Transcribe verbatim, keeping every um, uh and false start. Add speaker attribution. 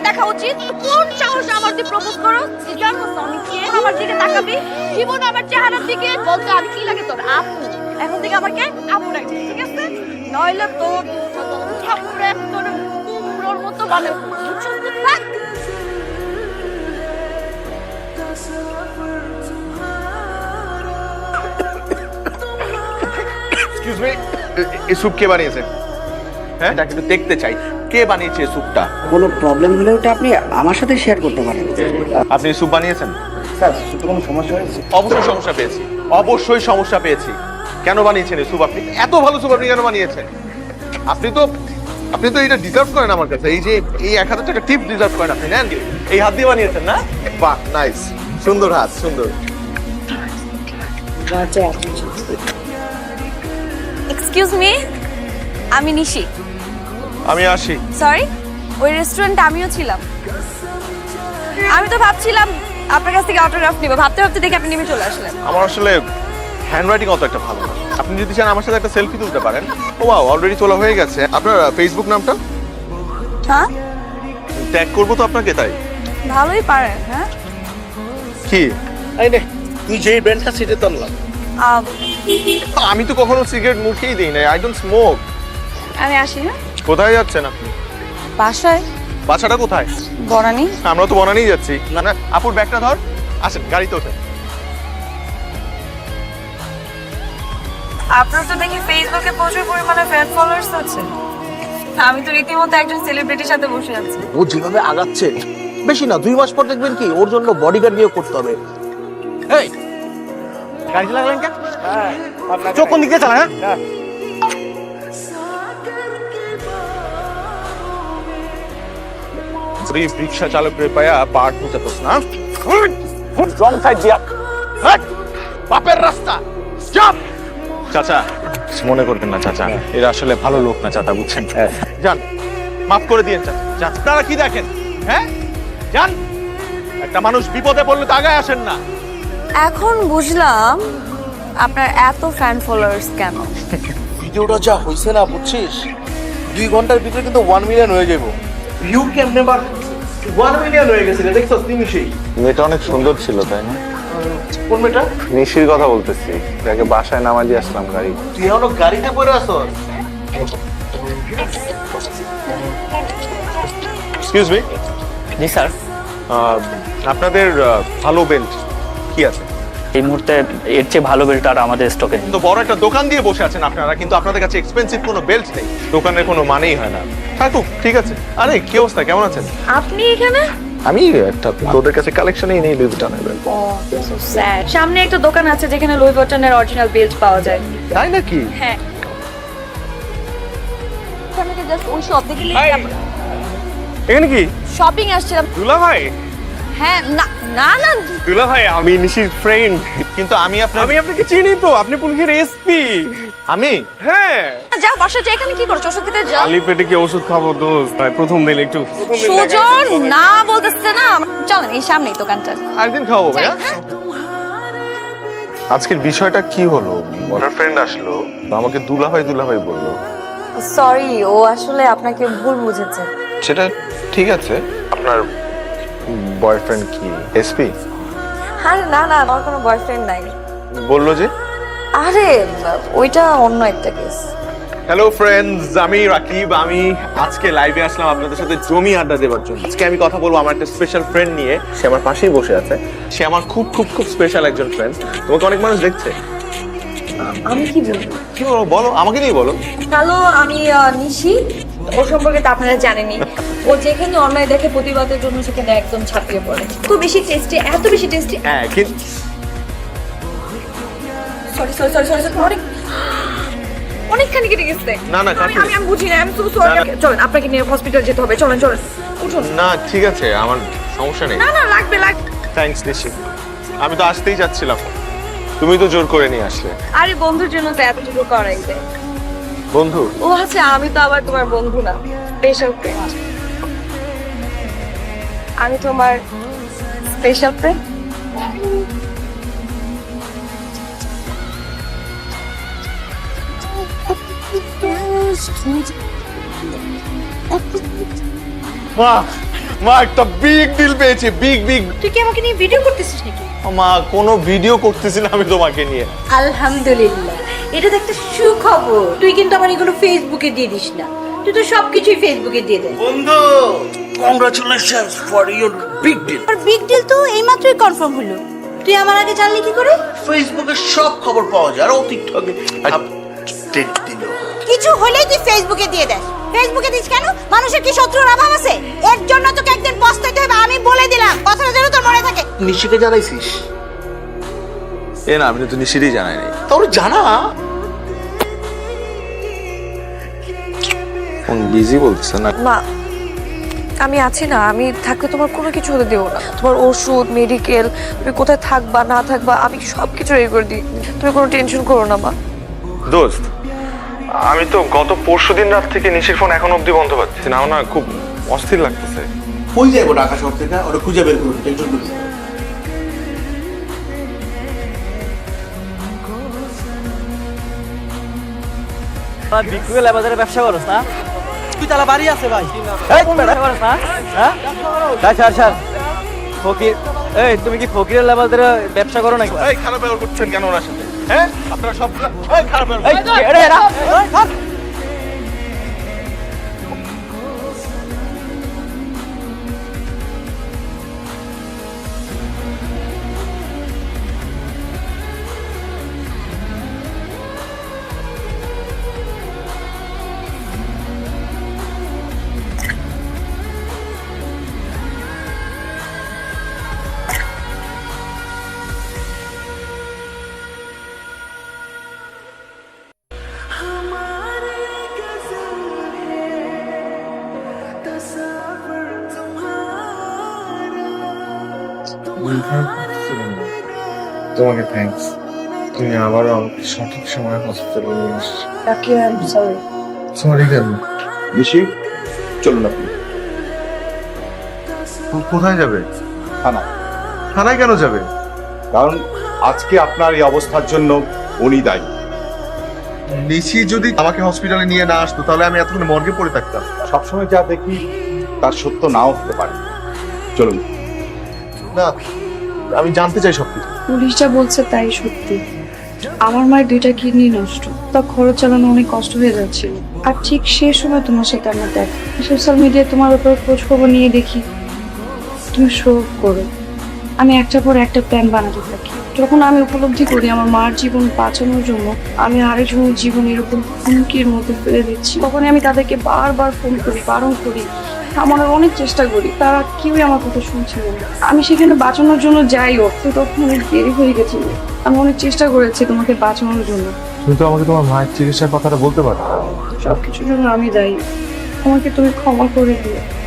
Speaker 1: দেখা উচিত। কোন সাহসে আমার তুই প্রপোজ করো? জানো আমি কে? আমার দিকে তাকাবি, জীবন আমার চেহারার দিকে বলতো আমি কি লাগে তোর? আপু। এখন থেকে আমাকে আপু ডাকবি, ঠিক আছে? নইলে তোর থাপড়ে তোর কুমড়োর মতো বানাবো। বুঝছিস তো? থাক।
Speaker 2: এক্সকিউজ মি, এই স্যুপ কে বানিয়েছে? হ্যাঁ, এটা কিন্তু দেখতে চাই কে বানিয়েছে এই স্যুপটা।
Speaker 3: কোনো প্রবলেম হলে ওটা আপনি আমার সাথে শেয়ার করতে পারেন।
Speaker 2: আপনি স্যুপ বানিয়েছেন?
Speaker 3: স্যার সুতো কোনো সমস্যা হয়েছে?
Speaker 2: অবশ্যই সমস্যা পেয়েছি, অবশ্যই সমস্যা পেয়েছি। কেন বানিয়েছেন এই স্যুপ আপনি? এত ভালো স্যুপ আপনি কেন বানিয়েছেন? আপনি তো আপনি তো এটা ডিজার্ভ করেন আমার কাছে। এই যে এই এক হাজার টাকা টিপ ডিজার্ভ করেন আপনি। নেন, এই হাত দিয়ে বানিয়েছেন না? বাহ, নাইস, সুন্দর হাত, সুন্দর।
Speaker 1: এক্সকিউজ মি, আমি নিশি।
Speaker 2: আমি আসি।
Speaker 1: সরি, ওই রেস্টুরেন্টে আমিও ছিলাম। আমি তো ভাবছিলাম আপনার কাছ থেকে অটোগ্রাফ নিব, ভাবতে ভাবতে দেখি আপনি নেমে চলে আসলেন।
Speaker 2: আমার আসলে হ্যান্ডরাইটিং অত একটা ভালো না। আপনি যদি চান আমার সাথে একটা সেলফি তুলতে পারেন। ও ওয়াও, অলরেডি তোলা হয়ে গেছে। আপনার ফেসবুক নামটা?
Speaker 1: হ্যাঁ,
Speaker 2: ট্যাগ করবো তো আপনাকে, তাই।
Speaker 1: ভালোই পারেন। হ্যাঁ,
Speaker 2: কি?
Speaker 4: এই নে, তুই যেই ব্র্যান্ডটা সেটা তো আনলাম।
Speaker 1: আম,
Speaker 2: আমি তো কখনো সিগারেট মুখেই দিই না। I don't smoke.
Speaker 1: আমি আসি। হ্যাঁ,
Speaker 2: কোথায় যাচ্ছেন আপনি?
Speaker 1: বাসায়।
Speaker 2: বাসাটা কোথায়?
Speaker 1: বনানি।
Speaker 2: আমরা তো বনানিই যাচ্ছি। না না, আপুর ব্যাগটা ধর, আসেন গাড়িতে ওঠেন।
Speaker 1: আপনার তো দেখি ফেসবুকে প্রচুর পরিমাণে ফ্যান ফলোয়ার্স আছে। আমি তো রীতিমতো একজন সেলিব্রিটির সাথে বসে আছি।
Speaker 4: ও যেভাবে আগাচ্ছে, বেশি না দুই মাস পর দেখবেন কি ওর জন্য বডিগার্ড নিয়োগ করতে হবে। এই গাড়ি চালালেন কেন? চোখ কোন দিকে চালা? হ্যাঁ,
Speaker 2: রিক্সা চালকের পায়া পাট নিতে পারছ না?
Speaker 4: রং সাইড দিয়া বাপের রাস্তা চাপ।
Speaker 2: চাচা, মনে করবেন না চাচা, এরা আসলে ভালো লোক না চাচা, বুঝছেন? যান, মাফ করে দিয়েন চাচা। যান। আপনারা কি দেখেন? হ্যাঁ, যান। একটা মানুষ বিপদে পড়লে তো আগায় আসেন না।
Speaker 1: এখন বুঝলাম আপনার এত ফ্যান ফলোয়ার্স কেন।
Speaker 4: ভিডিওটা যা হইছে না বুঝছিস, দুই ঘন্টার ভিতরে কিন্তু ওয়ান মিলিয়ন হয়ে যাবো। View can never one million হয়ে গেছে, দেখছো নিমিশেই।
Speaker 2: মেয়েটা অনেক সুন্দর ছিল, তাই না?
Speaker 4: কোন মেয়েটা?
Speaker 2: নিশির কথা বলতেছি, যাকে বাসায় নামাজি আসলাম গাড়ি।
Speaker 4: তুই এখনো গাড়িতে পড়ে আসো?
Speaker 2: Excuse me.
Speaker 5: জি স্যার,
Speaker 2: আপনাদের আহ, ভালো বেল্ট কি আছে?
Speaker 5: এই মুহূর্তে এর চেয়ে ভালো বেল্ট আর আমাদের স্টকে নেই।
Speaker 2: তো বড় একটা দোকান দিয়ে বসে আছেন আপনারা, কিন্তু আপনাদের কাছে এক্সপেন্সিভ কোনো বেল্ট নেই। দোকানের কোনো মানেই হয় না। থাকুক, ঠিক আছে। আরে কি অবস্থা, কেমন আছেন?
Speaker 1: আপনি এখানে?
Speaker 2: আমি একটা তোদের কাছে কালেকশনই নেই লুই ভিটনের বেল্ট।
Speaker 1: সামনে একটা দোকান আছে যেখানে লুই ভিটনের অরিজিনাল বেল্ট পাওয়া যায়।
Speaker 2: তাই নাকি?
Speaker 1: হ্যাঁ, ওখানে জাস্ট ওই শপ দেখে
Speaker 2: এখানে কি
Speaker 1: শপিং আসছিলাম।
Speaker 2: দুলা ভাই?
Speaker 1: হ্যাঁ, না না না,
Speaker 6: দুলা ভাই, আমি নিশির ফ্রেন্ড।
Speaker 2: কিন্তু আমি আপনার
Speaker 6: আমি আপনাকে চিনি তো, আপনি পুলিশের এসপি।
Speaker 2: আমি
Speaker 6: হ্যাঁ,
Speaker 1: যা বাসা যা, এখানে কি করছো? ওষুধ খেতে যাও।
Speaker 6: খালি পেটে কি ওষুধ খাবো দোস্ত? ভাই প্রথম দিন একটু
Speaker 1: সুজন না বলতেছে না। চলেন, এই সামনেই দোকানটা।
Speaker 2: আরেকদিন খাওয়াবো ভাইয়া। আজকের বিষয়টা কি হলো? ওনার ফ্রেন্ড আসলো, তো আমাকে দুলাভাই দুলাভাই বললো।
Speaker 1: সরি, ও আসলে আপনাকে ভুল বুঝেছে।
Speaker 2: সেটা ঠিক আছে। আপনার বয়ফ্রেন্ড কি এসপি?
Speaker 1: আরে না না, আমার কোনো বয়ফ্রেন্ড নাই।
Speaker 2: বললো যে।
Speaker 1: আরে ওইটা অন্য একটা কেস।
Speaker 2: হ্যালো ফ্রেন্ডস, আমি রাকিব। আমি আজকে লাইভে আসলাম আপনাদের সাথে জমি আড্ডা দেওয়ার জন্য। আজকে আমি কথা বলবো আমার একটা স্পেশাল ফ্রেন্ড নিয়ে। সে আমার পাশেই বসে আছে। সে আমার খুব খুব খুব স্পেশাল একজন ফ্রেন্ড। তোমাকে অনেক মানুষ দেখছে।
Speaker 1: আমি কি বলবো?
Speaker 2: কি বলো, বলো, আমাকে নিয়ে বলো।
Speaker 1: হ্যালো, আমি আহ, নিশি। ওর সম্পর্কে তো আপনারা জানেনই। ও যেখানে অন্যায় দেখে প্রতিবাদের জন্য সেখানে একদম ছাপিয়ে পড়ে। এত বেশি টেস্টি, এত বেশি টেস্টি।
Speaker 2: হ্যাঁ, কিন্তু
Speaker 1: সরি সরি সরি সরি অনেক অনেকখানি কেটে গেছে।
Speaker 2: না, না,
Speaker 1: আমি
Speaker 2: কাটে
Speaker 1: আমি আমি বুঝি না। আমি সো সরি।
Speaker 2: না, না।
Speaker 1: চলেন, আপনাকে নিয়ে হসপিটাল যেতে হবে। চলেন চলেন, উঠুন।
Speaker 2: না, ঠিক আছে, আমার সমস্যা নেই।
Speaker 1: না না, লাগবে লাগবে।
Speaker 2: থ্যাঙ্কস নিশি। আমি তো আসতেই যাচ্ছিলাম, তুমি তো জোর করে নিয়ে আসলে।
Speaker 1: আরে বন্ধুর জন্য তো এতটুকু করাই যায়।
Speaker 2: বন্ধু?
Speaker 1: ও আচ্ছা, আমি তো আবার তোমার বন্ধু না, স্পেশাল ফ্রেন্ড। আমি তোমার স্পেশাল ফ্রেন্ড।
Speaker 6: বাহ,
Speaker 2: মা একটা বিগ ডিল পেয়েছি, বিগ বিগ।
Speaker 1: তুই কি আমাকে নিয়ে ভিডিও করতেছিস নাকি?
Speaker 2: মা কোনো ভিডিও করতেছি না আমি তোমাকে নিয়ে।
Speaker 7: আলহামদুলিল্লাহ, এটা তো একটা সুখবর। তুই কিন্তু আমার এগুলো ফেসবুকে দিয়ে দিস না, তুই তো সবকিছুই ফেসবুকে দিয়ে দে।
Speaker 4: বন্ধু congratulations for your big deal.
Speaker 7: আর বিগ ডিল তো এইমাত্রই কনফার্ম হলো, তুই আমার আগে জানলি কি করে?
Speaker 4: ফেসবুকে সব খবর পাওয়া যায় আর ও টিকটকে আপডেট দিল।
Speaker 7: কিছু হলেই তুই ফেসবুকে দিয়ে দেস। ফেসবুকে দিস কেন? মানুষের কি শত্রুর অভাব আছে? এর জন্য তোকে একদিন পস্তাইতে হবে, আমি বলে দিলাম। কথাটা যেন তোর মনে থাকে।
Speaker 4: নিশিকে জানাইছিস?
Speaker 2: এ না, আমি তো নিশ্চিতই জানাই নাই।
Speaker 4: তোর জানা
Speaker 2: ফোন বিজি বলছে না।
Speaker 8: মা আমি আছি না, আমি থাকলে তোমার কোনো কিছু হতে দেবো না। তোমার ওষুধ, মেডিকেল, তুমি কোথায় থাকবা না থাকবা আমি সব কিছু রেডি করে দিই। তুমি কোনো টেনশন করো না মা।
Speaker 2: দোস্ত, আমি তো গত পরশু দিন রাত থেকে নিশির ফোন এখন অবধি বন্ধ পাচ্ছি না। আমার না খুব অস্থির লাগতেছে।
Speaker 4: কই যাবো ঢাকা শহর থেকে? ওরা খুঁজে বের করুন, টেনশন করিস না।
Speaker 9: বিকুয়েল বাজারে ব্যবসা করছ না?
Speaker 4: তুই তালা বাড়ি আছে ভাই।
Speaker 9: এই ব্যবসা করছ না? হ্যাঁ? তাই স্যার স্যার ফকির, এই তুমি কি ফকিরের বাজারে ব্যবসা করো নাকি?
Speaker 2: এই খারাপ ব্যবহার করছেন কেন ওনার সাথে? হ্যাঁ, আপনারা সব এই খারাপ ব্যবহার।
Speaker 9: এই এরা এরা
Speaker 6: তোমাকে থ্যাঙ্কস, তুমি আবারও আমাকে সঠিক সময় হসপিটালে নিয়ে এসেছো।
Speaker 8: Raki I am sorry.
Speaker 6: Sorry কেন?
Speaker 3: নিশি, চলুন আপনি।
Speaker 2: কোথায় যাবে?
Speaker 3: থানা।
Speaker 2: থানায় কেন যাবে?
Speaker 3: কারণ আজকে আপনার এই অবস্থার জন্য উনি দায়ী।
Speaker 2: নিশি যদি আমাকে হসপিটালে নিয়ে না আসতো তাহলে আমি এতক্ষণ মর্গে পড়ে থাকতাম।
Speaker 3: সবসময় যা দেখি তার সত্য নাও হতে পারে। চলুন।
Speaker 2: না, আমি জানতে চাই সবকিছু।
Speaker 10: পুলিশ যা বলছে তাই সত্যি। আমার মায়ের দুইটা কিডনি নষ্ট, তা খরচ চালানো অনেক কষ্ট হয়ে যাচ্ছিল। আর ঠিক সেই সময় তোমার সাথে আমার দেখা। সোশ্যাল মিডিয়ায় তোমার উপর খোঁজ খবর নিয়ে দেখি তুমি শো করো। আমি একটা পর একটা প্ল্যান বানাতে থাকি। যখন আমি উপলব্ধি করি আমার মার জীবন বাঁচানোর জন্য আমি আরেকজনের জীবন এরকম হুমকির মধ্যে ফেলে দিচ্ছি, তখন আমি তাদেরকে বারবার ফোন করি, বারণ করি, আমার অনেক চেষ্টা করি, তারা কেউই আমার কথা শুনছিল না। আমি সেখানে বাঁচানোর জন্য যাই হোক, তো তখন অনেক দেরি হয়ে গেছিল। আমি অনেক চেষ্টা করেছি তোমাকে বাঁচানোর জন্য।
Speaker 6: তুমি তো আমাকে তোমার মায়ের চিকিৎসার কথাটা বলতে পারো।
Speaker 10: সবকিছুর জন্য আমি দায়ী, আমাকে তুমি ক্ষমা করে দিও।